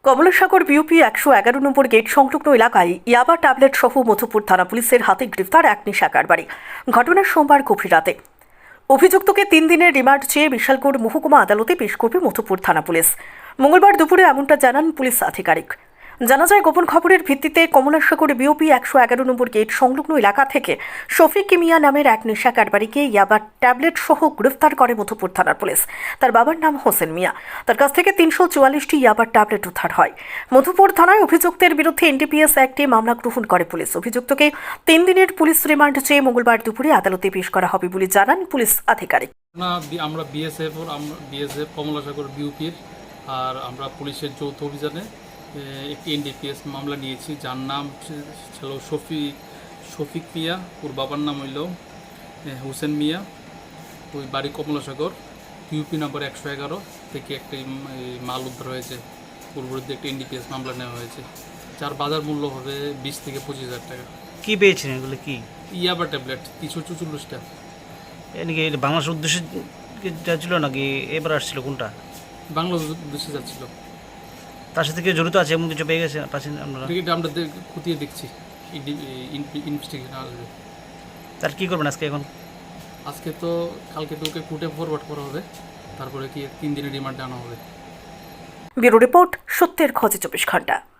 Kamalasagar BOP ১১১ নম্বর gate সংলগ্ন এলাকায় ইয়াবা ট্যাবলেট সহ মধুপুর থানা পুলিশের হাতে গ্রেফতার এক নেশা কারবারি। ঘটনা সোমবার গভীর রাতে। অভিযুক্তকে ৩ দিনের রিমান্ড চেয়ে বিশালগড় মহকুমা আদালতে পেশ করবে মধুপুর থানা পুলিশ। মঙ্গলবার দুপুরে এমনটা জানান পুলিশ আধিকারিক। জানা যায়, গোপন খবরের ভিত্তিতে কমলাসাগর বিউপি ১১১ নম্বর গেট সংলগ্ন এলাকা থেকে শফিক মিয়া নামের এক নেশা কারবারিকে ইয়াবা ট্যাবলেট সহ গ্রেফতার করে মধুপুর থানার পুলিশ। তার বাবার নাম হোসেন মিয়া। তার কাছ থেকে ৩৪৪টি ইয়াবার ট্যাবলেট উদ্ধার হয়। মধুপুর থানায় অভিযুক্তের বিরুদ্ধে এনডিপিএস অ্যাক্টে মামলা গ্রহণ করে পুলিশ। অভিযুক্তকে ৩ দিনের পুলিশ রিমান্ড চেয়ে মঙ্গলবার দুপুরে আদালতে পেশ করা হবে বলে জানান পুলিশ আধিকারিক। আমরা বিএসএফ কমলাসাগর বিউপির আর আমরা পুলিশের যৌথ অভিযানে একটি এনডিপিএস মামলা নিয়েছি, যার নাম ছিল শফিক মিয়া। ওর বাবার নাম হইল হোসেন মিয়া। ওই বাড়ি কমলাসাগর। ইউপি নম্বর ১১১ থেকে একটি মাল উদ্ধার হয়েছে। ওর বিরুদ্ধে একটি এনডিপিএস মামলা নেওয়া হয়েছে, যার বাজার মূল্য হবে ২০ থেকে ২৫,০০০ টাকা। কি পেয়েছেন এগুলো? কি ইয়াবা ট্যাবলেট ৩৪৪টা। নাকি বাংলাদেশের উদ্দেশ্যে যাচ্ছিল নাকি এবার আসছিল? কোনটা? বাংলাদেশ উদ্দেশ্যে যাচ্ছিল। তার সাথে কেউ জড়িত আছে এমন কিছু পেয়ে গেছে পাচ্ছেন আপনারা? এটা আমরা খতিয়ে দেখছি, ইনভেস্টিগেশন আসবে। তার কি করবেন আজকে? এখন আজকে তো কালকে তো ওকে কোর্টে ফরওয়ার্ড করা হবে, তারপরে কি ৩ দিনের রিমান্ডে আনা হবে। ব্যুরো রিপোর্ট, সত্যের খোঁজে ২৪ ঘন্টা।